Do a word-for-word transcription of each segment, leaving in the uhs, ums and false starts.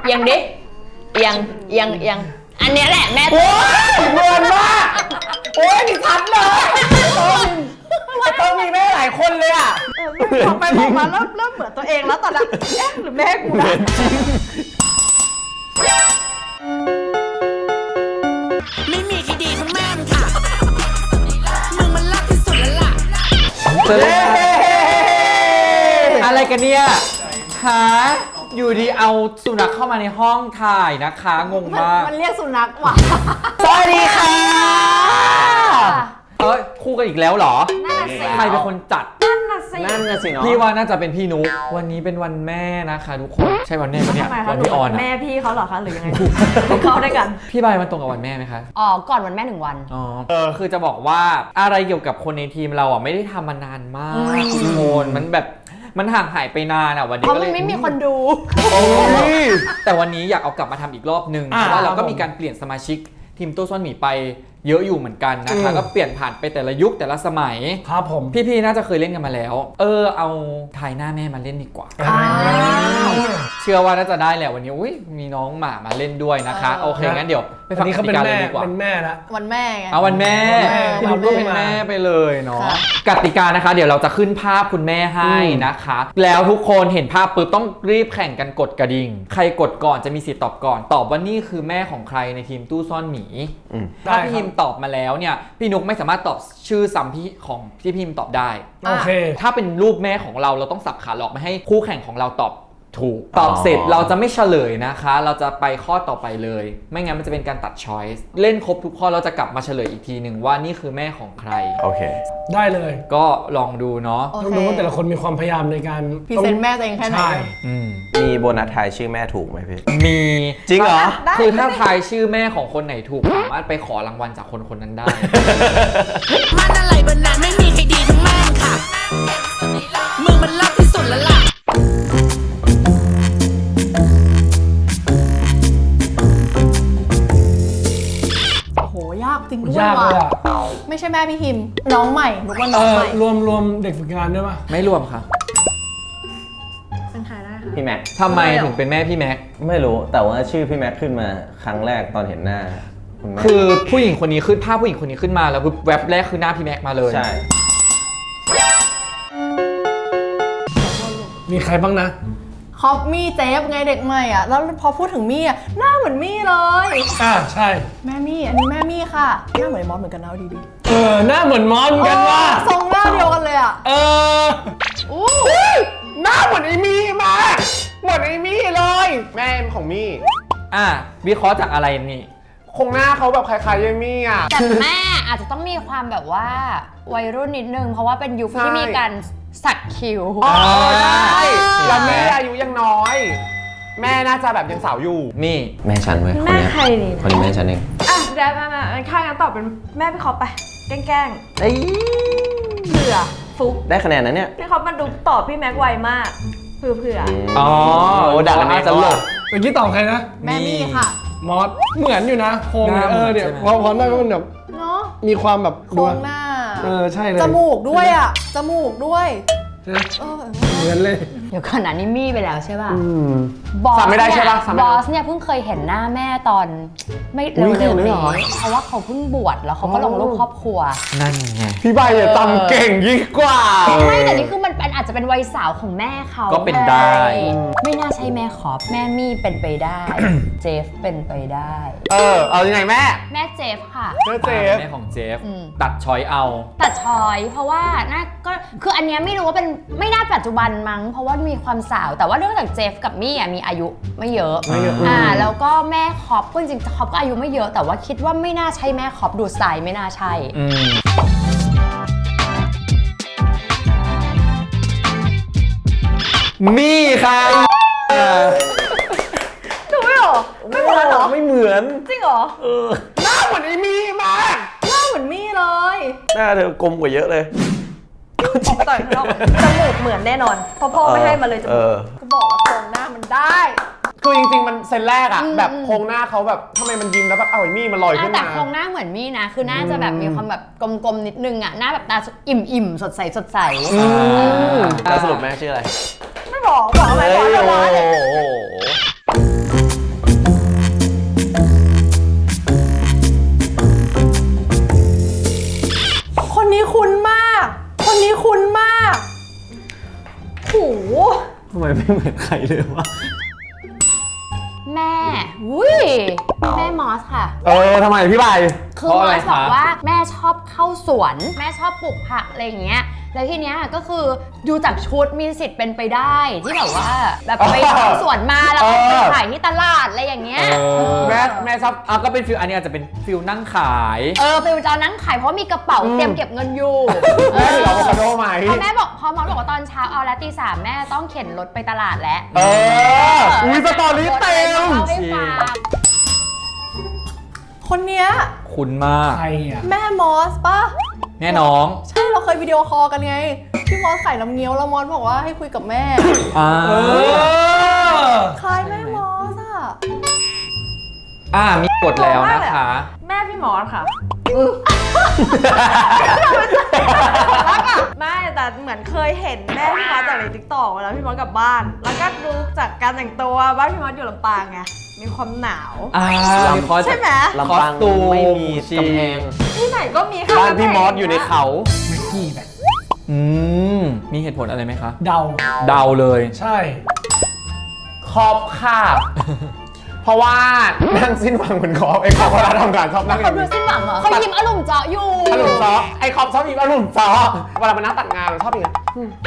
อียงดิเอียงเอียงเอียงอันนี้แหละแม่โอ้ยเหมือนมากโอ้ยนี่ชัดเลยต้องมีแม่หลายคนเลยอ่ะพอไปบอกมาเริ่มเริ่มเหมือนตัวเองแล้วตอนนั้นเอ๊ะหรือแม่กูนะไม่มีใครดีทั้งแม่มึงค่ะมึงมันรักที่สุดแล้วล่ะอะไรกันเนี่ยหาอยู่ดีเอาสุนัขเข้ามาในห้องถ่ายนะคะงงมากมันเรียกสุนัขว่ะสวัสดีค่ะเอ้ยคู่กันอีกแล้วเหรอใครเป็นคนจัดนั่นน่ะสินั่นน่ะสิเนาะพี่ว่าน่าจะเป็นพี่นุ๊กวันนี้เป็นวันแม่นะคะทุกคนใช่วันแม่ปะเนี่ยวันพี่ออนแม่พี่เขาเหรอคะหรือยังไงเขาได้กันพี่ใบมันตรงกับวันแม่ไหมคะอ๋อก่อนวันแม่หนึ่งวันอ๋อเออคือจะบอกว่าอะไรเกี่ยวกับคนในทีมเราอ่ะไม่ได้ทำมานานมากทุกคนมันแบบมันห่างหายไปนานอ่ะวันนี้เพราะมันไม่มีคนดูแต่วันนี้อยากเอากลับมาทำอีกรอบนึงเพราะว่าเราก็มีการเปลี่ยนสมาชิกทีมตู้ซ่อนหมีไปเยอะอยู่เหมือนกันนะคะก็เปลี่ยนผ่านไปแต่ละยุคแต่ละสมัยครับผมพี่ๆน่าจะเคยเล่นกันมาแล้วเออเอาถ่ายหน้าแม่มาเล่นดีกว่าเชื่อว่าน่าจะได้แหละวันนี้อุ้ยมีน้องหมามาเล่นด้วยนะคะโอเคงั้นเดี๋ยวไปฟังกติกาเลยดีกว่าเป็นแม่ละวันแม่ไงเอาวันแม่พี่นุ๊กก็เป็นแม่ไปเลยเนาะกติกานะคะเดี๋ยวเราจะขึ้นภาพคุณแม่ให้นะคะแล้วทุกคนเห็นภาพปุ๊บต้องรีบแข่งกันกดกระดิ่งใครกดก่อนจะมีสิทธิ์ตอบก่อนตอบว่านี่คือแม่ของใครในทีมตู้ซ่อนหมีถ้าพี่พิมตอบมาแล้วเนี่ยพี่นุ๊กไม่สามารถตอบชื่อซ้ำพี่ของพี่พิมตอบได้โอเคถ้าเป็นรูปแม่ของเราเราต้องสับขาหลอกไม่ให้คู่แข่งของเราตอบถูกตอบเสร็จเราจะไม่เฉลยนะคะเราจะไปข้อต่อไปเลยไม่งั้นมันจะเป็นการตัดช้อยส์เล่นครบทุกข้อเราจะกลับมาเฉลยอีกทีหนึ่งว่านี่คือแม่ของใครโอเคได้เลยก็ลองดูเนาะต้องดูว่าแต่ละคนมีความพยายามในการพรีเซนต์แม่ตัวเองแค่ไหนมีโบนัสทายชื่อแม่ถูกไหมพี่มีจริงเหรอคือถ้าทายชื่อแม่ของคนไหนถูกสามารถไปขอรางวัลจากคนคนนั้นได้มันอะไรบนนั้นไม่มีใครดีทั้งแม่ค่ะมึงมันรักที่สุดแล้วล่ะยากจริงด้วยว่ะไม่ใช่แม่พี่พิมน้องใหม่นุ๊กว่าน้องใหม่รวมรวมเด็กฝึกงานด้วยป่ะไม่รวมค่ะเป็นใครได้ค่ะพี่แม็กทำไมถึงเป็นแม่พี่แม็กไม่รู้แต่ว่าชื่อพี่แม็กขึ้นมาครั้งแรกตอนเห็นหน้าคือผู้หญิงคนนี้ขึ้นภาพผู้หญิงคนนี้ขึ้นมาแล้วแวบแรกคือหน้าพี่แม็กมาเลยใช่มีใครบ้างนะคอปมี่เจฟไงเด็กใหม่อ่ะแล้วพอพูดถึงมี่อ่ะหน้าเหมือนมี่เลยอ่าใช่แม่มี่อันนี้แม่มี่ค่ะหน้าเหมือนมอสเหมือนกันนะดีดีเออหน้าเหมือนมอสเหมือนกันว่าทรงหน้าเดียวกันเลยอ่ะเอออู้หน้าเหมือนไอ้มี่มาเหมือนไอ้มี่เลยแม่ของมี่อ่ะวิเคราะห์จากอะไรนี่คงหน้าเขาแบบคล้ายๆยายมี่อ่ะแต่แม่อาจจะต้องมีความแบบว่าวัยรุ่นนิดนึงเพราะว่าเป็นยุคที่มีการสักคิ้วอ๋อใช่แล้วแม่อายุยังน้อยแม่น่าจะแบบยังสาวอยู่มี่แม่ฉันเว้ยแม่ใครนี่คนนี้แม่ฉันเองอ่ะเดี๋ยวมามาข้างกันตอบเป็นแม่พี่คอปไปแกล้งๆเอ้ยเผื่อฟุกได้คะแนนนะเนี่ยพี่คอปมันดูตอบพี่แม็กไวมากเผื่อเผื่ออ๋อโอ้ดักอันนี้จะหลบเมื่อกี้ตอบใครนะแม่มี่ค่ะมอสเหมือนอยู่นะโครงเออเดี๋ยวพอพอหน้าก็มันแบบเนาะมีความแบบโครงหน้าเออใช่เลยจมูกด้วยอ่ะจมูกด้วยเหมือนเลยเดี๋ยวก่อนนะนี่มี่ไปแล้วใช่ป่ะบอสไม่ได้ใช่ป่ะบอสเนี่ยเพิ่งเคยเห็นหน้าแม่ตอนไม่เร็วๆนี้เพราะว่าเขาเพิ่งบวชแล้วเขาก็ลงรูปครอบครัวนั่นไงพี่ใบเนี่ยจำเก่งยิ่งกว่าไม่แต่นี่คือมันเป็นอาจจะเป็นวัยสาวของแม่เขาก็เป็นได้ไม่น่าใช่แม่ขอบแม่มี่เป็นไปได้เจฟเป็นไปได้เออเอายังไงแม่แม่เจฟค่ะแม่เจฟแม่ของเจฟตัดช้อยเอาตัดช้อยเพราะว่าน่าก็คืออันเนี้ยไม่รู้ว่าเป็นไม่น่าปัจจุบันมั้งเพราะว่ามีความสาวแต่ว่าเรื่องจากเจฟกับมี่อ่ะมีอายุไม่เยอะอ่าแล้วก็แม่คอปก็จริงๆคอปก็อายุไม่เยอะแต่ว่าคิดว่าไม่น่าใช่แม่คอปดูสไตล์ไม่น่าใช่มี่ค่ะดูไม่หรอไม่เหมือนหรอไม่เหมือนจริงเหรอเออหน้าเหมือนไอ้มี่มากหน้าเหมือนมี่เลยหน้าเธอกลมกว่าเยอะเลยต่อยเขาจมูกเหมือนแน่นอนพ่อพ่อไม่ให้มาเลยจมูกก็บอกว่าโครงหน้ามันได้คือจริงๆมันเซนแรกอะแบบโครงหน้าเขาแบบทำไมมันยิ้มแล้วแบบเอาไอ้มี่มันลอยขึ้นมาแต่โครงหน้าเหมือนมี่นะคือหน้าจะแบบมีความแบบกลมๆนิดนึงอะหน้าแบบตาอิ่มๆสดใสสดใสแล้วสรุปแม่ชื่ออะไรไม่บอกบอกอะไรบอกอะไรเหมือนใครเลยวะแม่วุ้ยแม่มอสค่ะเออทำไมพี่ใบคือเพราะมอะไรอสบอกคะว่าแม่ชอบเข้าสวน แม่ชอบปลูกผักอะไรอย่างเงี้ยแล้วทีเนี้ยก็คือดูจากชุดมีสิทธิ์เป็นไปได้ที่แบบว่าแบบไปเข้าสวนมาแล้วก็ไปขายที่ตลาดอะไรอย่างเงี้ยแม่แม่ชอบอ่ะก็เป็นฟิลอันนี้อาจจะเป็นฟิลนั่งขายเออไปจะนั่งขายเพราะมีกระเป๋าเตรียมเก็บเงินอยู่แม่ถืออะโวคาโดไหมพอแม่บอกพอมอสบอกว่าตอนเช้าเอาแล้วตีสามแม่ต้องเข็นรถไปตลาดแล้วเอออุ้ยสตอรี่เต็มเล่าให้ฟังคนเนี้ยคุณมากใครอ่ะแม่มอสป่ะแม่น้องใช่เราเคยวิดีโอคอลกันไงพี่มอสขายน้ำเงี้ยวแล้วมอสบอกว่าให้คุยกับแม่อ่าเออคล้ายแม่มอสอะอ่ามีกดแล้วนะคะแม่พี่มอสค่ะแล้วก็ไม่แต่เหมือนเคยเห็นแม่พี่มอสจากในติ๊กต็อกเวลาพี่มอสกลับบ้าน แล้วก็ดูจากการแต่งตัวบ้านพี่มอสอยู่ลำปางไงมีความหนาวอ่ามีคอสใช่ไหมลำปางคอสตูมไม่มีชีกำแพงที่ไหนก็มีค่ะบ้านพี่มอสอยู่ในเขาแม็กกี้แบบอืมมีเหตุผลอะไรไหมคะเดาเดาเลยใช่คอปค่ะ เพราะว่านั่งสิ้นหวังเหมือนคอปไอ้คอปเวลาทำงานชอบนั่งอเขาย่างดูนี้สิ้นหวังเหรอเขายิ้มอารมณ์เจาะอยู่อารมณ์ซอไอ้คอปชอบมีอารมณ์ซอเวลามานั่งตัดงานมันชอบอย่างนี้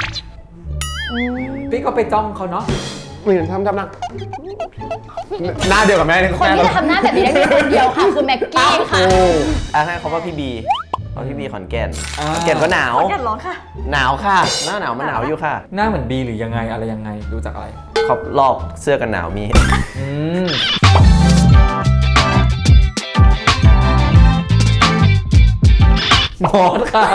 พี่ก็ไปจ้องเขาเนาะเหมือนทำทำนั่งหน้าเดียวกับแม่เลยคนที่จะทำหน้าแบบนี้ได้มีคนเดียวค่ะคือแม็กกี้ค่ะอ่ะให้เขาว่าพี่บีเพราะพี่บีขอนแก่นอ่าขอนแก่นก็หนาวแกร้องค่ะหนาวค่ะ หน้าหนาวมันหนาวอยู่ค่ะหน้าเหมือนบีหรือยังไงอะไรยังไงดูจากอะไรขอบรอบเสื้อกันหนาวมีอืมมอสค่ะ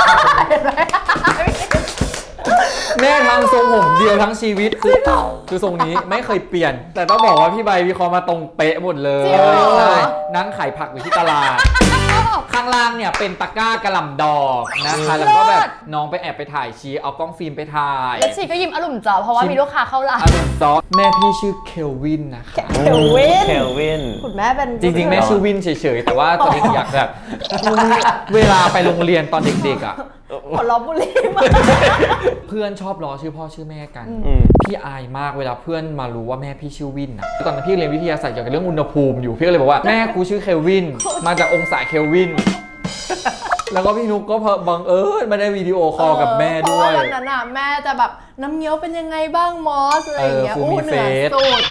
แม่ทำทรงผมเดียวทั้งชีวิตคือคือทรงนี้ไม่เคยเปลี่ยน แต่ต้องบอกว่าพี่ใบวิเคราะห์มาตรงเป๊ะหมดเลยจริงเหรอใช่นั่งขายผักอยู่ที่ตลาด ข้างล่างเนี่ยเป็นตะกร้ากระหล่ำดอกนะคะ แล้วก็แบบน้องไปแอบไปถ่ายชีเอากล้องฟิล์มไปถ่ายแล้วชีก็ยิ้มอารมณ์เจาะเพราะว่ามีลูกค้าเข้าร้านอารมณ์ซอสแม่พี่ชื่อเคลวินนะคะเคลวินเคลวินคุณแม่เป็นจริงๆ แม่ชื่อวินเฉยๆ แต่ว่าตอนนี้อยากแบบเวลาไปโรงเรียนตอนเด็กๆอ่ะหัวล้อบุรีมาเพื่อนชอบล้อชื่อพ่อชื่อแม่กันอืมพี่อายมากเวลาเพื่อนมารู้ว่าแม่พี่ชื่อวินนะตอนนั้นพี่เรียนวิทยาศาสตร์เกี่ยวกับเรื่องอุณหภูมิอยู่พี่ก็เลยบอกว่าแม่กูชื่อเคลวินมาจากองศาเคลวิน แล้วก็พี่นุ๊กก็บังเอิญมาได้วิดีโอคอลกับแม่ด้วยเพราะว่าวันนั้นน่ะแม่จะแบบน้ำเงี้ยวเป็นยังไงบ้างมอสอะไรอย่างเงี้ยเออฟูอู้มิเหนือเฟสสุด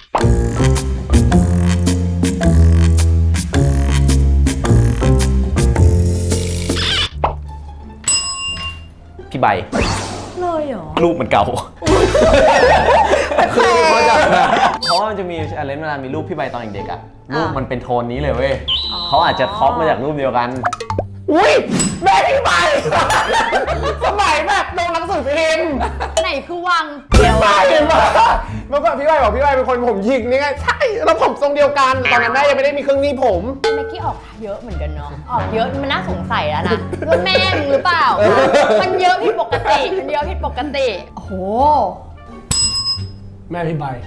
พี่ใบเลยเหรอรูปมันเก่าคือเขาจะแบบเพราะว่ามันจะมีอะไรเวลามีรูปพี่ใบตอนเด็กๆอ่ะ รูปอ่ะมันเป็นโทนนี้เลยเว้ยเขาอาจจะคอปมาจากรูปเดียวกันอุ้ยแม่พี่ใบสมัยแบบลงหนังสือพิมพ์ไหนคือวังพี่ใบมาเมื่อก่อนพี่ใบบอกพี่ใบเป็นคนผมหยิกนี่ไงใช่แล้วผมทรงเดียวกันตอนนั้นแม่ยังไม่ได้มีเครื่องหนี้ผมแม็กกี้ออกเยอะเหมือนกันเนาะออกเยอะมันน่าสงสัยแล้วนะว่าแม่มึงหรือเปล่า มันเยอะผิดปกติมันเยอะผิดปกติโอ้โหแม่พี่ใบ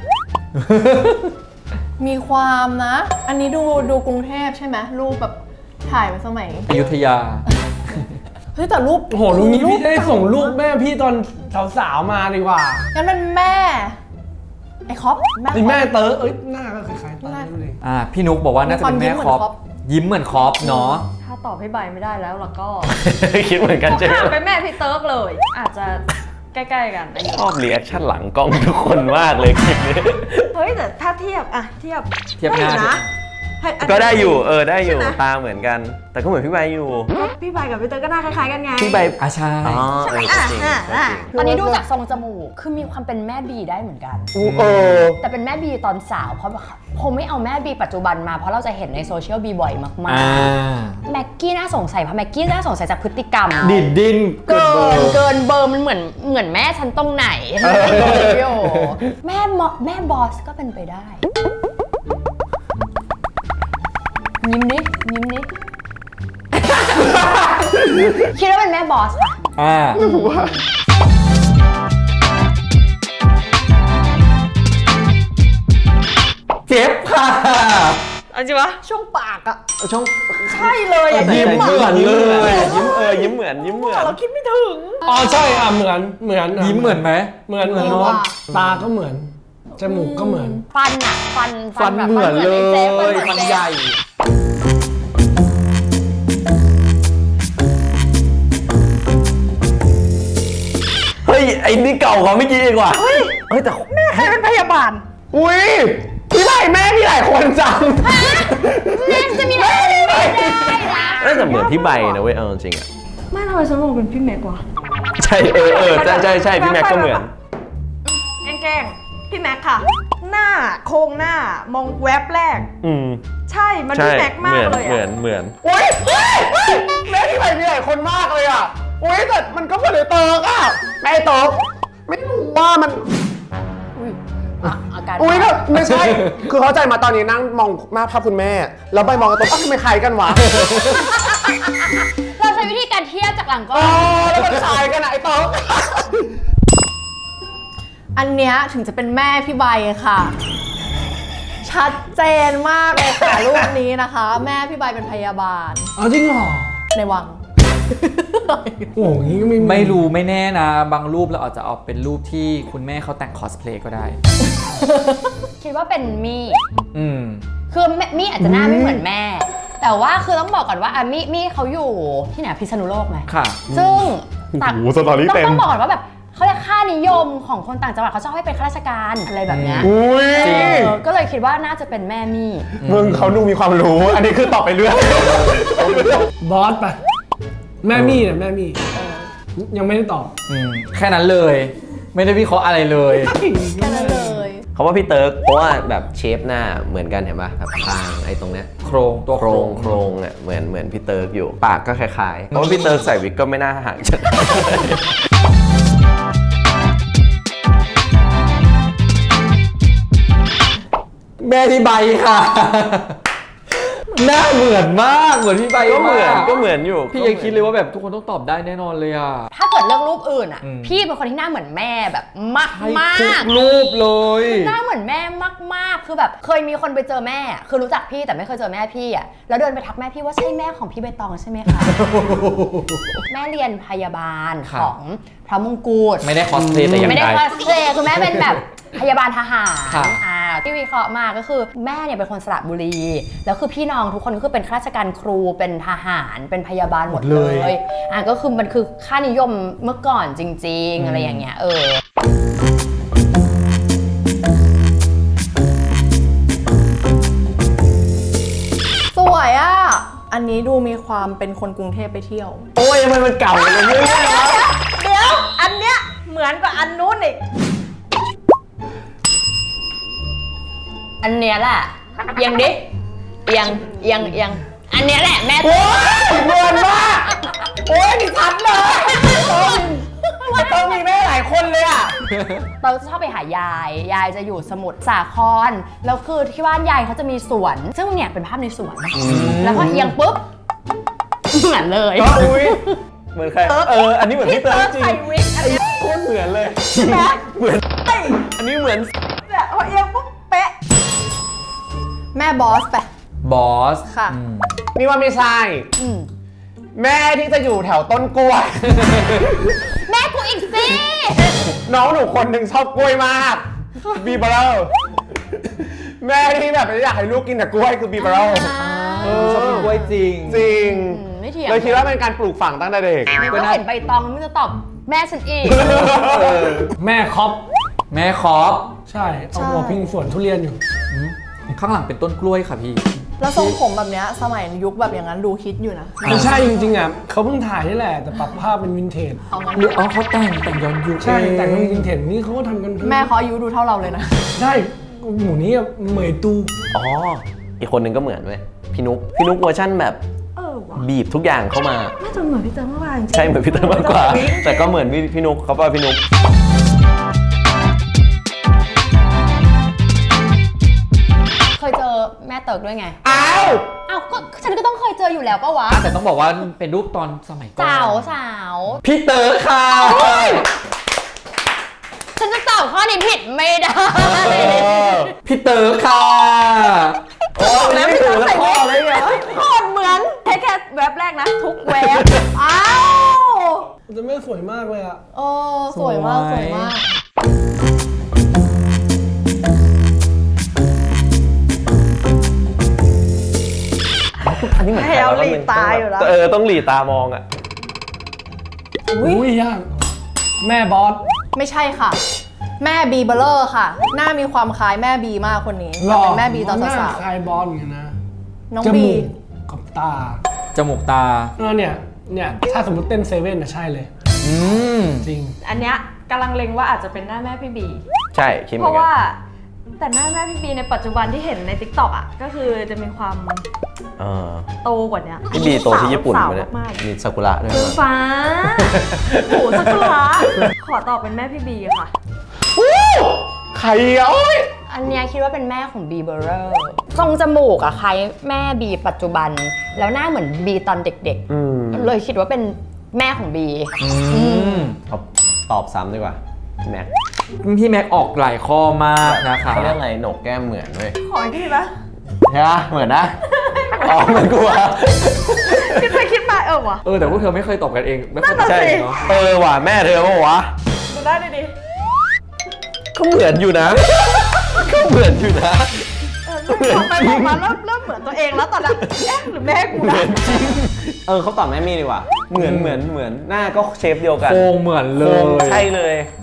มีความนะ อันนี้ดูดูกรุงเทพใช่ไหมรูปแบบถ่ายมาสมัยอยุธยาเฮ้ยแต่รูปโอ้โหลุงนี้พี่ได้ส่งรูปแม่พี่ตอนสาวๆมาดีกว่างั้นเป็นแม่ ไอ้คอปแม่นี่แม่คอปเต๋อเอ้ยหน้าก็คล้ายๆเต๋อเลยอ่าพี่นุ๊กบอกว่าน่าจะเป็นแม่คอปยิ้มเหมือนคอปเนาะถ้าตอบให้ใบไม่ได้แล้วแล้วก็คิดเหมือนกันใช่ไหมข้ามไปแม่พี่เติร์กเลย อาจจะใกล้ๆกันอายุชอบรีแอคชั่นหลังกล้องทุกคนมากเลยคลิปนี้เฮ้ยแต่ถ้าเทียบอะเทียบเทียบหน้าได้นะให้อันนี้ก็ได้อยู่เออได้อยู่ใช่ไหมตาเหมือนกัน แต่ก็เหมือนพี่ใบอยู่พี่ใบกับพี่เติร์กก็หน้าคล้ายๆกันไงพี่ใบอ่ะใช่อ๋อเออก็จริงอ่ะก็อ่ะจริงตอนนี้ดูจากทรงจมูกคือมีความเป็นแม่บีได้เหมือนกันอู้เออแต่เป็นแม่บีตอนสาวเพราะแบบคงไม่เอาแม่บีปัจจุบันมาเพราะเราจะเห็นในโซเชียลบีบ่อยมาอ่ากๆแม็กกี้น่าสงสัยเพราะแม็กกี้น่าสงสัยจากพฤติกรรมดิดดินเกิเบอน ร์เกินเบอร์มันเหมือนเหมือนแม่ฉันตรงไหนพี่โอแม่มอแม่บอสก็เป็นไปได้ ยิ้มนิยิ้มนิคิดว่าเป็นแม่บอสค่ะอ่าเจ็บค่ะเอาจริงปะช่วงปากอะช่องใช่เลยอะยิ้ยิ้มมเหมือนเลยยิ้มเออยิ้มเหมือนยิ้มเหมือนเราคิดไม่ถึงอ๋อใช่อ่ะเหมือนเหมือนยิ้มเหมือนไหมเหมือนเหมือนเหมือนเนาะว่ะตาก็เหมือนจมูกก็เหมือนฟันอะฟันฟันแบบเหมือนเลไเจ๊ฟัยนเหมือนฟันเจ๊ใหญ่เฮ้ย ไอ้นี่เก่ากว่าเมื่อกี้อีกว่ะเฮ้ยแต่แม่ใครเป็นพยาบาลอุ้ยพี่ไผ่แม่พี่หลายคนจังแม่จะมีแม่ไม่ได้นะน่าจะเหมือนพี่ใบนะเว้ยเอาจริงๆอ่ะไม่ทำไมฉันมองเป็นพี่แม็กวะใช่เออเออใช่ใช่ใช่พี่แม็กก็เหมือนแกล้งๆพี่แม็กค่ะ หน้าโครงหน้ามองแวบแรกอืมใช่ มันใช่พี่แม็กเหมามืกอนเลยเหมืออะนเหมือนอุ้ยเฮ้ยเฮ้ยแม่พี่ไผ่มีหลายคนมากเลยอ่ะอุ้ยแต่มันก็เหมือนไอ้เติร์กอ่ะแม่ไอ้เติร์กไม่รู้ว่ามันอ่ะอาการอุ้ยแบบไม่ใช่ คือเข้าใจมาตอนนี้นั่งมองหน้าภาพคุณแม่ แล้วใบมองกระตุ้นอ้าวทำไมคล้ายกันวะเราใช้วิธีการเทียบจากหลังกล้ออ๋อง แล้วมันคล้ายกันอะไอ้เติร์กอันเนี้ยถึงจะเป็นแม่พี่ใบค่ะ ชัดเจนมากเลยค่ะ รูปนี้นะคะ แม่พี่ใบเป็นพยาบาลเอาจริงเหรอในวังโอ้โหอย่างงี้ก็ไม่ไม่รู้ไม่แน่นะ บางรูปเราอาจจะเอาเป็นรูปที่คุณแม่เขาแต่งคอสเพลย์ก็ได้คิดว่าเป็นมี่อืมคือแม่มี่อาจจะหน้าไม่เหมือนแม่ แต่ว่าคือต้องบอกก่อนว่าอ่ะมี่มี่เขาอยู่ที่ไหนพิษณุโลกไหมค่ะซึ่งต่างโอ้โหสตอรี่ต้องเต็มต้องบอกก่อนว่าแบบเขาเรียกค่านิยมของคนต่างจังหวัดเขาชอบให้เป็นข้าราชการอะไรแบบเนี้ยอุ้ยเออก็เลยคิดว่าน่าจะเป็นแม่มี่มึงเขาดูมีความรู้ อันนี้คือตอบไปเรื่อยบอสไปแม่มี่เนี่ยแม่มี่ยังไม่ได้ตอบอืม แค่นั้นเลย ไม่ได้วิเคราะห์อะไรเลยแค่นั้นเลยเขาว่าพี่เติร์กเพราะว่าแบบเชฟหน้าเหมือนกันเห็นป่ะแบบคางไอ้ตรงเนี้ยโครงตัวโครงโครงอ่ะเหมือนเหมือนพี่เติร์กอยู่ ปากก็คล้ายๆเพราะว่าพี่เติร์กใส่วิกก็ไม่น่าห่างจากแม่พี่ใบค่ะ หน้าเหมือนมาก เหมือนพี่ใบก็เหมือนากก็เหมือนอยู่พี่ยังคิดเลยว่าแบบทุกคนต้องตอบได้แน่นอนเลยอ่ะถ้าเกิดเรื่องรูปอื่นอ่ะอืมพี่เป็นคนที่หน้าเหมือนแม่แบบมากมากทุกรูปเลยหน้าเหมือนแม่มากๆ คือแบบเคยมีคนไปเจอแม่ คือรู้จักพี่แต่ไม่เคยเจอแม่พี่อ่ะแล้วเดินไปทักแม่พี่ว่าใช่แม่ของพี่ใบตองใช่ไหมคะ แม่เรียนพยาบาลครับของพระมงกุฎไม่ได้คอสเพลย์แต่อย่างไม่ใดได้คอสเพลย์คือแม่เป็นแบบพยาบาลทหารครับอ่าที่วิเคราะห์มาก็คือแม่เนี่ยเป็นคนสระบุรี แล้วคือพี่น้องทุกคนก็คือเป็นข้าราชการครูเป็นทหารเป็นพยาบาลหมดเลยอ่าก็คือมันคือค่านิยมเมื่อก่อนจริง ๆ อะไรอย่างเงี้ยเออสวยอ่ะ อันนี้ดูมีความเป็นคนกรุงเทพไปเที่ยวโอ้ยทำไมมันเก่าอย่างนี้วะเดี๋ยว อันเนี้ยเหมือนกับอันนู้นอีกอันเนี้ยแหละเอียงดิเอียงเอียงเอียงอันเนี้ยแหละแม่โอ้ยเหมือนมากโอ้ยนี่ชัดเลยต้องมีแม่หลายคนเลยอ่ะเราจะชอบไปหายาย ยายจะอยู่สมุทรสาคร แล้วคือที่บ้านยายเขาจะมีสวน ซึ่งเนี่ยเป็นภาพในสวน แล้วพอเอียงปุ๊บ เหมือนเลยอุ้ยเหมือนใครเอออันนี้เหมือนพี่เติร์กจริงใส่วิกอันเนี้ยโคตรเหมือนเลยใช่ไหมเหมือนอันนี้เหมือนเนี่ยพอเอียงปุ๊บเป๊ะแม่บอสไปบอสค่ะอืมนี่ว่าไม่ใช่อืมแม่ที่จะอยู่แถวต้นกล้วยแม่กูอีกสิน้องหนูคนหนึ่งชอบกล้วยมากบีเบอร์แม่ที่แบบอยากให้ลูกกินแต่กล้วยคือบีเบอร์ชอบกินกล้วยจริงจริงอืมไม่เถียงเลยคิดว่าเป็นการปลูกฝังตั้งแต่เด็กก็เห็นใบตองมันจะตอบแม่ฉันอีกแม่คอปแม่คอปใช่เอาหัวพิงสวนทุเรียนอยู่ข้างหลังเป็นต้นกล้วยค่ะพี่แล้วทรงผมแบบเนี้ยสมัยยุคแบบอย่างนั้นดูคิดอยู่นะไม่ใช่จริงๆอ่ะเขาเพิ่งถ่ายนี่แหละ แต่ปรับภาพเป็นวินเทจเอางั้นหรืออ๋อเขาแต่งแต่งย้อนยุคใช่แต่งเป็นวินเทจนี่เขาก็ทำกันแม่เขาอายุดูเท่าเราเลยนะใช่หมูนี้อะเหมยตูอ๋ออีกคนหนึ่งก็เหมือนเว้ยพี่นุ๊กพี่นุ๊กเวอร์ชั่นแบบเออว่ะบีบทุกอย่างเข้ามาน่าจะเหมือนพี่เติร์กมากกว่าจริงๆใช่เหมือนพี่เติร์กมากกว่า แต่ก็เหมือนพี่พี่นุ๊กเขาว่าพี่นุ๊กเคยเจอแม่เติร์กด้วยไงอ้าวอ้าวก็ฉันก็ต้องเคยเจออยู่แล้วปะวะแต่ต้องบอกว่าเป็นรูปตอนสมัยก่อนสาวสาวพี่เต๋อค่ะฉันจะตอบข้อนี้ผิดไม่ได้พี่เต๋อค่ะโอ้ยไม่ถูกแล้วข้อเลยอ่ะโคตรเหมือนแค่แค่แวบแรกนะ ทุกแวบ อ้าวแต่แม่สวยมากเลยอ่ะโอ้สวยมาก สวยมากแนวแล้หลีมึงตาอยู่แล้วเออต้องหลีตามองอ่ะอุ้ยยากแม่บอสไม่ใช่ค่ะ แม่บีเบลเลอร์ค่ะ หน้ามีความคล้ายแม่บีมากคนนี้หรอเป็นแม่บีตอนหน้สาวคล้ายบอสเหมือนกันนะๆน้องจบีมูกกับตาจมูกตาเออเนี่ยเนี่ยถ้าสมมติเต้นเซเว่นนะใช่เลยอืมจริงอันเนี้ยกำลังเล็งว่าอาจจะเป็นหน้าแม่พี่บีใช่คิดเหเพมือนราะกันว่าแต่หน้าแม่พี่บีในปัจจุบันที่เห็นใน ติ๊กต็อก อ่ะ ก็คือจะมีความเออโตกว่าเนี้ยพี่บีโตที่ญี่ปุ่นสาวปะเนี่ยมากมีซากุระด้วยๆคือมั้ยฟ้าโอ้โหสักละขอตอบเป็นแม่พี่บีค่ะใครอ่ะโอ๊ยอันเนี้ยคิดว่าเป็นแม่ของบีเบอร์เรอร์ทรงจมูกอะคล้ายแม่บีปัจจุบัน แล้วหน้าเหมือนบีตอนเด็กอืมๆ เลยคิดว่าเป็นแม่ของบีอืมเอาตอบซ้ำดีกว่าพี่แม็กพี่แม็กออกหลายข้อมากนะคะเขาเรียกอะไรโหนกแก้มเหมือนเว้ยขออีกทีปะใช่ปะเหมือนนะอ๋อเหมือนกูอะคิดไปคิดมาเออวะเออแต่พวกเธอไม่เคยตอบกันเองไม่เคยตอบนั่นกัน่ะนสิเองเนาะเออว่ะแม่เธอปะวะดูได้ดิดิก็เหมือนอยู่นะ ก็เหมือนอยู่นะเออเริ่มบอกไปบอกมาเริ่มเริ่มเหมือนตัวเองแล้วตอนนั้นเอ๊ะหรือแม่กูเหมืนะอนจริงเออเขาตอบแม่มี่ดีกว่า เหมือนเหมือนเหมือนหน้าก็เชฟเดียวกันโครงเหมือนเลโครงยใช่เลย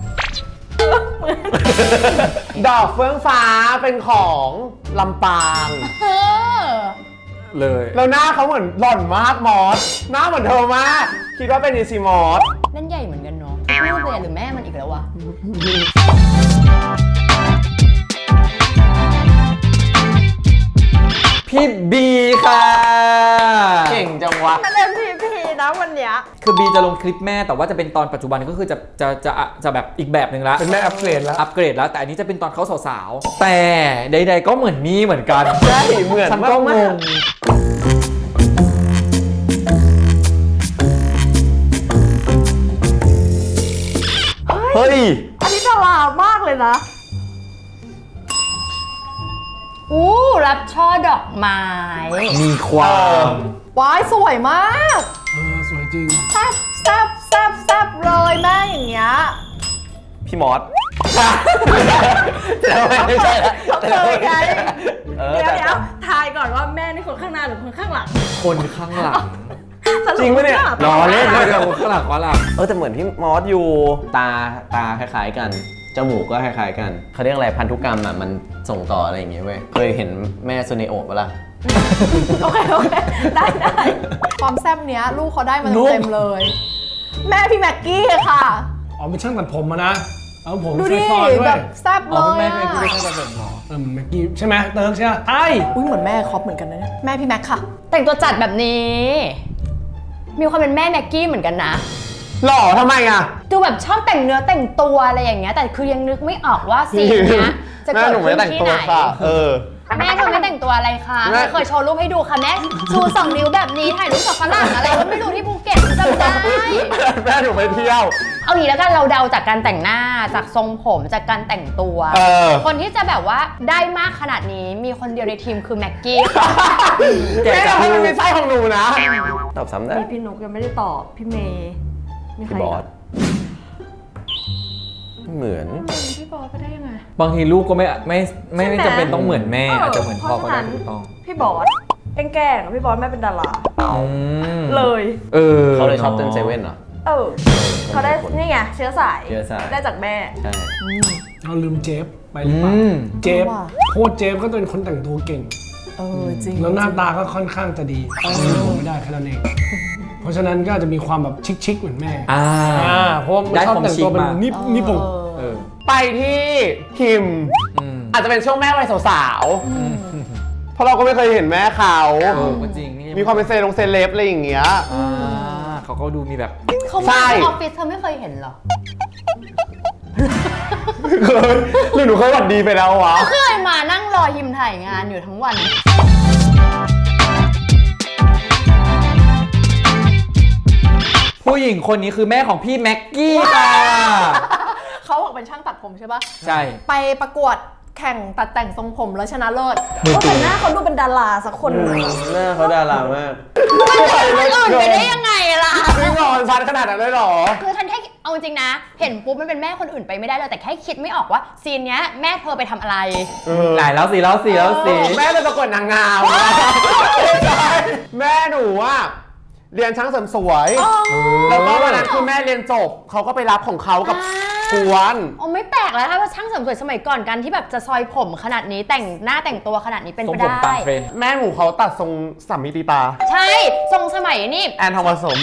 ดอกเฟื่องฟ้าเป็นของลำปางเออเลยแล้วหน้าเขาเหมือนหล่อนมากมอส หน้าเหมือนเธอมาก คิดว่าเป็นอีซีมอสนั่นใหญ่เหมือนกันเนาะลูกเลยหรือแม่มันอีกแล้ววะพี่บีค่ะเก่งจังวะมันเอ็มพีพีนะวันเนี้ยคือบีจะลงคลิปแม่แต่ว่าจะเป็นตอนปัจจุบันก็คือจะจะจะจะแบบอีกแบบหนึ่งละเป็นแม่อัปเกรดแล้วอัปเกรดแล้วแต่อันนี้จะเป็นตอนเขาสาวๆแต่ใดๆก็เหมือนมีเหมือนกันใช่เหมือนฉันก็งมากงเฮ้ยอันนี้ดารามากเลยนะอู้รับช่อดอกไม้มีความว้ายสวยมากเออสวยจริงแซบแซบแซบแซบเลยแม่อย่างเงี้ยพี่มอสแต่ทำไมไม่ใช่ละเขาเคยไงเออเดี๋ยวแต่เดี๋ยวทายก่อนว่าแม่นี่คนข้างหน้าหรือคนข้างหลังคนข้างหลังสปจริงปะเนี่ยข้าหรลัอเล่นเลยกับคนข้างหลังว่าหลังเออแต่เหมือนพี่มอสอยู่ตาตาคล้ายๆกัน จมูกก็คล้ายๆกันเขาเรียกอะไรพันธุกรรมอ่ะมันส่งต่ออะไรอย่างเงี้ยเว้ยเคยเห็นแม่ซูเนโอะปะล่ะโอเคโอเคได้ได้ความแซบเนี้ยลูกเขาได้มาลูกเต็มๆเลย แม่พี่แม็กกี้ค่ะอ๋อเป็นช่างตัดผมมานะ เอาผมดูดิซอยๆด้วแบยบแซบอ๋เลอย เป็นแม่อะเป็นแม่เป็นแบบหมอเออเหมือนแม็กกี้ใช่ไหมเติร์กใช่ไหมใช่อุ้ยเหมือนแม่คอปเหมือนกันนะเนี่ยแม่พี่แม็กค่ะแต่งตัวจัดแบบนี้ มีความเป็นแม่แม็กกี้เหมือนกันนะหล่อทำไมอ่ะดูแบบชอบแต่งเนื้อแต่งตัวอะไรอย่างเงี้ยแต่คือยังนึกไม่ออกว่าซีนเนี้ยจะแม่เกิดหนูไม่ขึ้นแต่งที่ตัวไหนค่ะ เออแม่เธอไม่แต่งตัวอะไรคะแม่ไม่เคยโชว์รูปให้ดูค่ะแม่ชูสองนิ้วแบบนี้ถ่ายรูปกับฝรั่งอะไรก็ไม่รู้ที่ภูเก็ตจำได้แม่หนูไปเที่ยวเอางี้แล้วกันเราเดาจากการแต่งหน้าจากทรงผมจากการแต่งตัวเออคนที่จะแบบว่าได้มากขนาดนี้มีคนเดียวในทีมคือแม็กกี้ค่ะแม่เราให้มันเป็นไส้ของหนูนะตอบซ้ำได้มีพี่นุกยังไม่ได้ตอบพี่เมย์มีใครพี่บออีสกเหมือนอะพี่บอสไปได้ยังไงบางทีลูกก็ไม่ไม่ไม่ใช่ไหมไม่จำเป็นต้องเหมือนแม่อาจจะเหมือนพ่อก็ได้เพราะฉะนั้นถูกต้องพี่บอสแกล้งๆพี่บอสแม่เป็นดาราอืมเลยเออเขาเลยชอบเต้นเซเว่นเหรอเออเขาได้นี่ไงเชื้อสายเชื้อสายได้จากแม่ใช่เราลืมเจฟไปหอืรือเปล่าม เจฟว่าโคตรเจฟก็เป็นคนแต่งตัวเก่งเออจริงแล้วหน้าตาก็ค่อนข้างจะดีผมไม่ได้แค่นั้นเอง เพราะฉะนั้นก็อาจจะมีความแบบชิคๆเหมือนแม่อ่าอ่าเพราะว่าได้ชอบความแต่งตัวเป็นชิคมานินิผมเออไปที่คิมอืมอาจจะเป็นช่วงแม่วัยสาวๆ เพราะเราก็ไม่เคยเห็นแม่เขาเออก็จริงนี่มีความเป็นเซลงเซเลบอะไรอย่างเงี้ยอ่าเขาก็ดูมีแบบเขาใช่มาที่ออฟฟิศเธอไม่เคยเห็นเหรอเคยหรือหนูเคยหวัดดีไปแล้ววะเคยมานั่งรอยิมถ่ายงานอยู่ทั้งวันผู้หญิงคนนี้คือแม่ของพี่แม็กกี้ค่ะเขาบอกเป็นช่างตัดผมใช่ปะใช่ไปประกวดแข่งตัดแต่งทรงผมแล้วชนะเลิศมือก็ปืแต่นหน้าเขาดูเป็นดาราสักคนหนึงอะหน้าเขาดารามากมันจะเป็นคนอื่นไปได้ยังไงล่ะไม่นอนชัดขนาดนั้นเลยเหรอคือฉันแค่เอาจริงๆนะ เห็นปุ๊บมันเป็นแม่คนอื่นไปไม่ได้เลยแต่แค่คิดไม่ออกว่าซีนเนี้ยแม่เธอไปทำอะไรไหนแล้วสิแล้วสิแล้วสิแม่เป็นประกวดนางงามแม่หนูอะเรียนช่างเสริมสวยแล้วก็วันนั้นคือแม่เรียนจบเขาก็ไปรับของเขากับกวนโอ้ไม่แปลกแล้วถ้าว่าช่างเสริมสวยสมัยก่อนกันที่แบบจะซอยผมขนาดนี้แต่งหน้าแต่งตัวขนาดนี้เป็นทรงไปผมได้ตามเทรนด์แม่หนูเขาตัดทรงสามมิติตาใช่ทรงสมัยนี่แอนทองผสม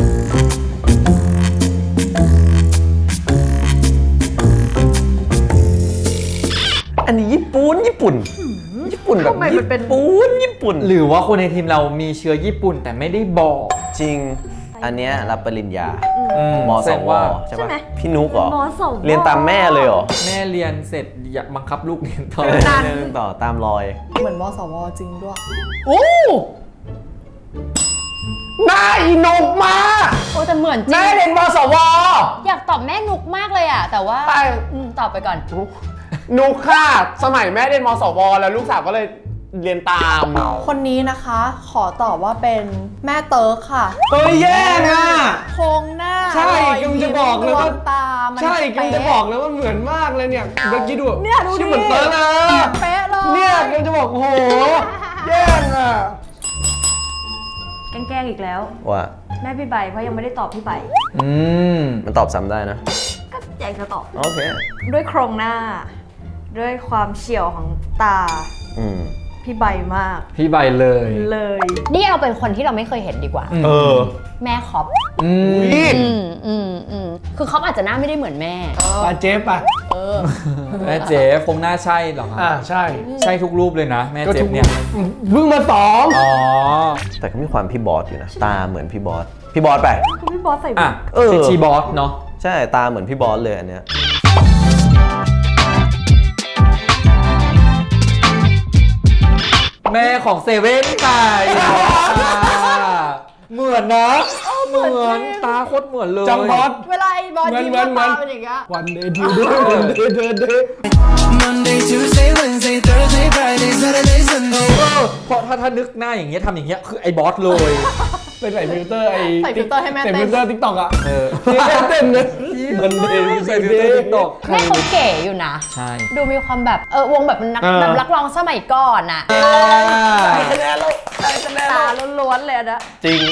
อันนี้ญี่ปุ่นญี่ปุ่น ญี่ปุ่นแบบทำไมมันเป็นญี่ปุ่นญี่ปุ่นหรือว่าคนในทีมเรามีเชื้อญี่ปุ่นแต่ไม่ได้บอกจริง อันเนี้ยรับปริญญาอืมแสสดงวว่าใช่ใช่ปะไหมพี่นุกเหรอมสวเรียนตามแม่เลยเหรอแม่เรียนเสร็จอยากบังคับลูกเรียนต่อเรียนต่อตามรอยเหมือนมสวจริงด้วยโอ้หน้าอีนุกมากโอ้แต่เหมือนจริแม่งเรียนมสวอยากตอบแม่นุกมากเลยอะแต่ว่าไปอืมตอบไปก่อนนุกค่ะ สมัยแม่เรียนมสวแล้วลูกสาวก็เลยเรียนตามคนนี้นะคะ ขอตอบว่าเป็นแม่เติร์กค่ะเฮ้ยแย่งอ่ะโครงหน้าใช่รอยกำลังจะบอกเลยว่าดวงตามันใช่กำลังจะเป๊บอกเลยว่าเหมือนมากเลยเนี่ยเมื่อกี้ดูเนี่ยดูดิชื่อเหมือนเติร์กเลยเป๊ะเลยเนี่ยกำลังจะบอกโอ้โหแย่งอ่ะแกล้งๆอีกแล้วว่าแม่พี่ใบเพราะยังไม่ได้ตอบพี่ใบอืมมันตอบซ้ำได้นะก็อยากจะตอบโอเคด้วยโครงหน้า ด้วยความเฉียวของตาอืมพี่ใบมากพี่ใบเลยเลยนี่เอาเป็นคนที่เราไม่เคยเห็นดีกว่าเออแม่คอปอืมนี่อืมอืมอืมคือคอปอาจจะหน้าไม่ได้เหมือนแม่ปาเจฟป่ะแม่เจ๊คงหน้าใช่เหรอคอ่ารับใช่ใช่ทุกรูปเลยนะ แม่ก็เจ๊ถูกเนี่ยเพิ่งมาสองอ๋อแต่ก็มีความพี่บอสอยู่นะ ตาเหมือนพี่บอส พี่บอสไปคือพี่บอสใส่วิอ่ะกเออเป็นชีบอสเนาะใช่ ตาเหมือนพี่บอสเลยอันเนี้ยแม่ของเซเว่นไก่เหมือนนะเหมือนตาโคตรเหมือนเลยจำบอสเวลาไอ้บอลเหมือนยิ้มเหมือนตาเหมือนเป็นอย่างเงี้ยวันเดย์ทูเดย์วันเดย์เดย์เดย์ Monday Tuesday Wednesday Thursday Friday Saturday Sunday เพราะถ้าถ้านึกหน้าอย่างเงี้ยทำอย่างเงี้ยคือไอ้บอสเลยเป็นใส่ฟิลเตอร์ไอ้ใส่ฟิลเตอร์ให้แม่ใส่เต้ฟินลเตอร์ทิกตอกอ่ะเออเต้นเลยมันเดย์ใส่ฟิลเตอร์ติ๊กต็อกแม่เขาเก๋อยู่นะใช่ดูมีความแบบเออวงแบบนักเออแบบนักร้องสมัยก่อนอะตาล้วนๆเลยอะนะจริง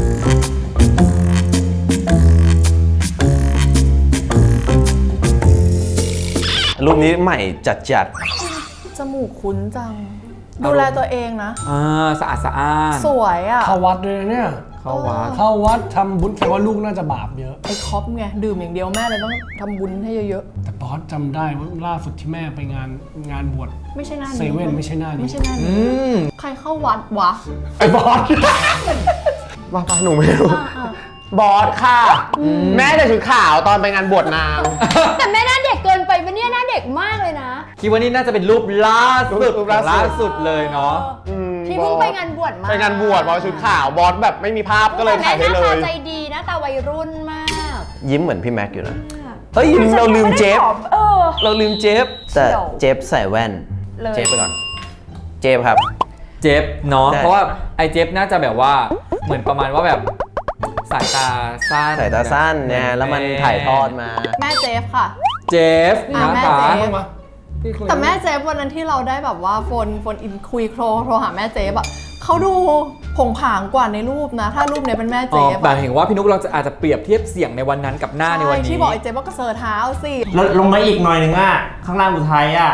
รูปนี้ใหม่จัดจัดจมูกคุ้นจัง ดูแลตัวเองนะอ่าสะอาดสะอ้านสวยอ่ะเข้าวัดด้วยนะเนี่ยเข้าวัดเข้าวัดทำบุญแต่ว่าลูกน่าจะบาปเยอะไอ้คอปไง ดื่มอย่างเดียวแม่เลยต้องทำบุญให้เยอะแต่บอสจำได้ว่าล่าสุดที่แม่ไปงานงานบวชๆ ไม่ใช่หน้านี้เซเว่นไม่ใช่หน้านี้ไม่ใช่หน้าอืนี้มใครเข้าวัดวะไอ้บอสว่าปะหนูไม่รู้ บอสค่ะ แม่แต่ชุดขาวตอนไปงานบวชนางแต่แม่หน้าเด็กเกินไปปะเนี่ยหน้าเด็กมากเลยนะคิดว่านี่น่าจะเป็นรูปล่าสุดรูปล่าสุดล่าสุดเลยเนาะอืมที่เพิ่งไปงานบวชมาไปงานบวชบอสชุดขาวบอสแบบไม่มีภาพก็เลยถ่ายให้เลแต่แม่หน้าย ตาใจดีหน้าตาวัยรุ่นมากยิ้มเหมือนพี่แม็กอยู่นะ เฮ้ย เราลืมเจฟเออเราลืมเจฟ แต่เชี่ยวเจฟใส่แว่นเลยเจฟไปก่อน เจฟครับเจฟเนาะใช่เพราะว่าไอ้เจฟน่าจะแบบว่าเหมือนประมาณว่าแบบสายตาสั้นสายตาสั้นเนี่ยแล้วมันถ่ายทอดมาแม่เจฟค่ะเจฟอ่ะนะแม่คะเจฟเข้ามาพี่คุยแต่แม่เจฟวันนั้นที่เราได้แบบว่าโฟนโฟนอินคุยโทรโทรหาแม่เจฟอะเขาดูผงผางกว่าในรูปนะ ถ้ารูปเนี้ยเป็นแม่เจอ๋อฟแต่อะเห็นว่าพี่นุ๊กเราจะอาจจะเปรียบเทียบเสียงในวันนั้นกับหน้าในวันใช่นี้ที่บอกไอ้เจฟว่ากระเซิร์เท้าสิแล้วลงมาอีกหน่อยหนึ่งอ่ะ ข้างล่างอุทัยอ่ะ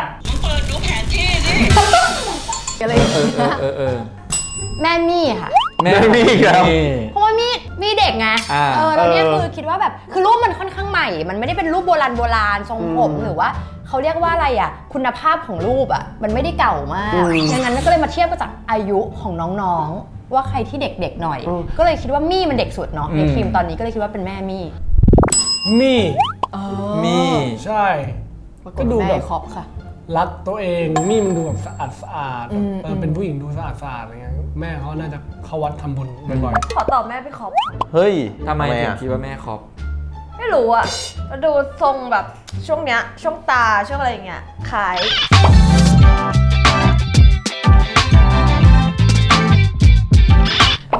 อะไรอย่างเออเงี้ยเออเออเออแม่มี่ค่ะแม่แม่มีอีกแล้วนี่เพราะว่ามีมีเด็กไงอ่าเออแล้วเนี่ยเออคือคิดว่าแบบคือรูปมันค่อนข้างใหม่ มันไม่ได้เป็นรูปโบราณโบราณทรงผมหรือว่าเขาเรียกว่าอะไรอ่ะ คุณภาพของรูปอ่ะมันไม่ได้เก่ามากดังนั้นก็เลยมาเทียบกับจากอายุของน้องๆ ว่าใครที่เด็กๆหน่อย ก็เลยคิดว่ามี่มันเด็กสุดเนาะในทีมตอนนี้ก็เลยคิดว่าเป็นแม่มี่มี่มีใช่ปรากก็ฏดูแม่แบบคอปค่ะรักตัวเองมี่มันดูแบบสะอาดสะอาดอืมเออเป็นผู้หญิงดูสะอาดสะอาดอะไรเงี้ยแม่เขาน่าจะเข้าวัดทำบุญบ่อยขอตอบแม่พี่คอปเฮ้ยทำไมถึงอ่ะคิดว่าแม่คอปไม่รู้อะดูทรงแบบช่วงเนี้ย ช่วงตา ช่วงอะไรอย่างเงี้ยคล้ายอ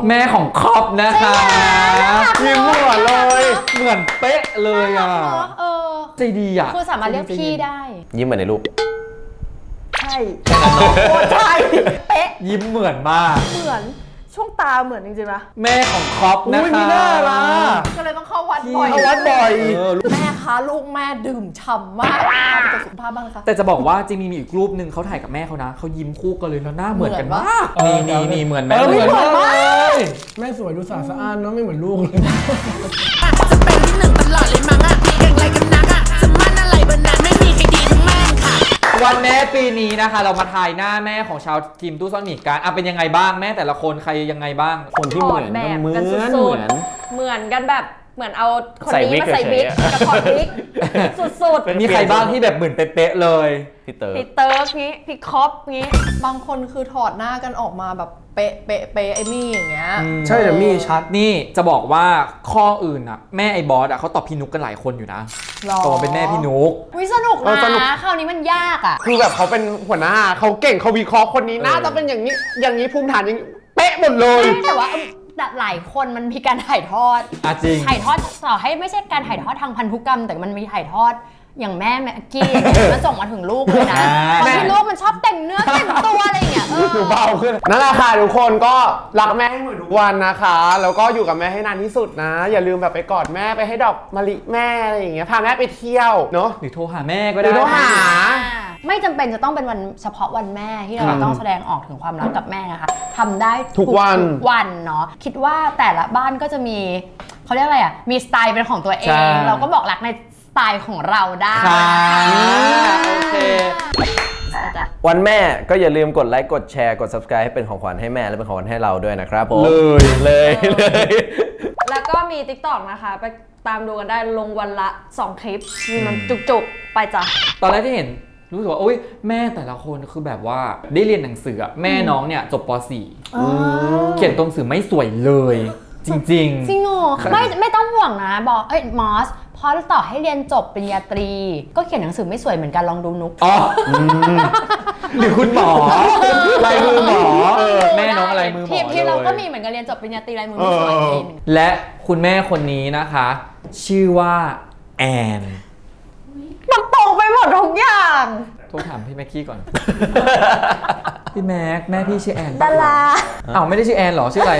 แม่ของคอปนะคะยิ้มเหมือนเลยเหมือนเป๊ะเลยอ่ะเออใจดีอ่ะคือสามารถเรียกพี่ได้ยิ้มเหมือนในรูปใช่โคตรใช่เป๊ะยิ้มเหมือนมากเหมือนช่วงตาเหมือนจริงๆนะแม่ของคอปนะอุ้ยคะมีหน้าล่ะก็เลยต้องเข้าวัดบ่อยเข้าวัดบ่อยเออแม่คะลูกแม่ดื่มฉ่ำมากพาไปตรวจสุขภาพบ้างนะคะแต่จะบอกว่าจริงๆมีอีกรูปหนึ่งเขาถ่ายกับแม่เขานะเขายิ้มคู่กันเลยแล้วหน้าเหมือนกันเหมือนมากปะนี่นี่นี่เหมือนไหมเออเหมือนมากมากเลยแม่สวยดูสะอาดสะอ้านเนาะไม่เหมือนลูกเลยจะเป็นที่หนึ่งตลอดเลยมั้งอะเก่งอะไรกันนักอะจะมั่นอะไรบนนั้นไม่มีใครดีทั้งแม่งค่ะวันแม่ปีนี้นะคะ เรามาทายหน้าแม่ของชาวทีมตู้ซ่อนหมีกันอ่ะเป็นยังไงบ้างแม่แต่ละคนใครยังไงบ้างคนที่เหมือนถอดแบบก็เหมือนกันสุดๆเหมือนเหมือนกันแบบเหมือนเอาคนใส่นี้วิกมาใส่วิกเฉยๆกับถอดวิกสุดมีใครบ้างที่แบบเหมือนเป๊ะๆเลยพี่เต๋อๆพี่เติร์กนี้พี่คอปนี้บางคนคือถอดหน้ากันออกมาแบบเป๊ะเป๊ะเป๊ะไอ้มี่อย่างเงี้ยใช่แต่มี่ชัดนี่จะบอกว่าข้ออื่นอ่ะแม่ไอ้บอสอ่ะเขาตอบพี่นุกกันหลายคนอยู่นะหรอตอบเป็นแม่พี่นุกวิสนุกเออสนุกนะคราวนี้มันยากอ่ะคือแบบเขาเป็นหัวหน้าเขาเก่งเขาวิเคราะห์คนนี้น่าจะเป็นอย่างนี้ อย่างนี้ภูมิฐานอย่างนี้เป๊ะหมดเลยแต่ว่าเออแต่หลายคนมันมีการถ่ายทอดอ่ะจริงถ่ายทอดต่อให้ไม่ใช่การถ่ายทอดทางพันธุกรรม แต่มันมีถ่ายทอดอย่างแม่แม็กกี้อย่างเงี้ยมันส่งมาถึงลูกเลยนะอ่าบางทีลูกมันชอบแต่งเนื้อแต่งตัวอะไรอย่างเงี้ยเออหนูเบาขึ้นนั่นแหละค่ะทุกคนก็รักแม่ให้เหมือนทุกวันนะคะ แล้วก็อยู่กับแม่ให้นานที่สุดนะ อย่าลืมแบบไปกอดแม่ไปให้ดอกมะลิแม่อะไรอย่างเงี้ยพาแม่ไปเที่ยวเนาะหรือโทรหาแม่ก็หรืได้อโทรหาไม่จำเป็นจะต้องเป็นวันเฉพาะวันแม่ที่เราครับต้องแสดงออกถึงความรักกับแม่นะคะทำได้ทุกวันทุกวันเนาะคิดว่าแต่ละบ้านก็จะมีเขาเรียกอะไรอ่ะมีสไตล์เป็นของตัวเอง เราก็บอกรักในสไตล์ของเราได้ค่ะโอเคจ้ะวันแม่ก็อย่าลืมกดไลค์กดแชร์กด subscribe ให้เป็นของขวัญให้แม่และเป็นของขวัญให้เราด้วยนะครับผมเลยเลยเลยแล้วก็มี TikTok นะคะ ไปตามดูกันได้ลงวันละสองคลิปมีมันจุกๆ ไปจ้ะตอนแรกที่เห็นรู้สึกว่าโอ๊ยแม่แต่ละคนคือแบบว่าได้เรียนหนังสืออะแม่น้องเนี่ยจบป .สี่ เขียนตัวหนังสือไม่สวยเลย จริงจริงเหรอไม่ไม่ต้องห่วงนะบอกเอ้ยมอสพอต่อให้เรียนจบปริญญาตรี ก็เขียนหนังสือไม่สวยเหมือนกันลองดูนุกๆอ๋ออหรือคุณหมอลายมือหมอแม่น้องอะไรมือหมอทีมเลที่เราก็ยมีเหมือนกันเรียนจบปริญญาตรีลายมือไม่สวยทีนึงและคุณแม่คนนี้นะคะ ชื่อว่าแอนมันตรงไปหมดทุกอย่างโทรถามพี่แม็กกี้ก่อน พี่แม็กแม่พี่ชื่อแอนดาราอ้าวไม่ได้ชื่อแอนเหรอชื่ออะไร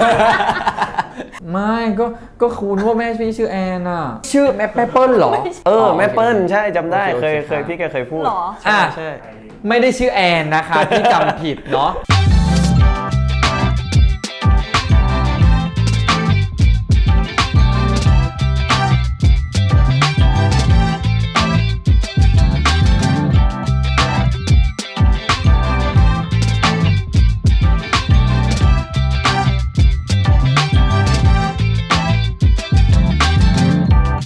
ไม่ก็ก็คุณว่าแม่พี่ชื่อแอนอ่ะชื่อแม่แม่เปิ้ลเหรอเออแม่เปิ้ลใช่จำได้โอเคเคยโอเคเคยพี่แกเคยพูดหรอใช่อ่ะใช่ไม่ได้ชื่อแอนนะคะ ที่จำผิดเนาะ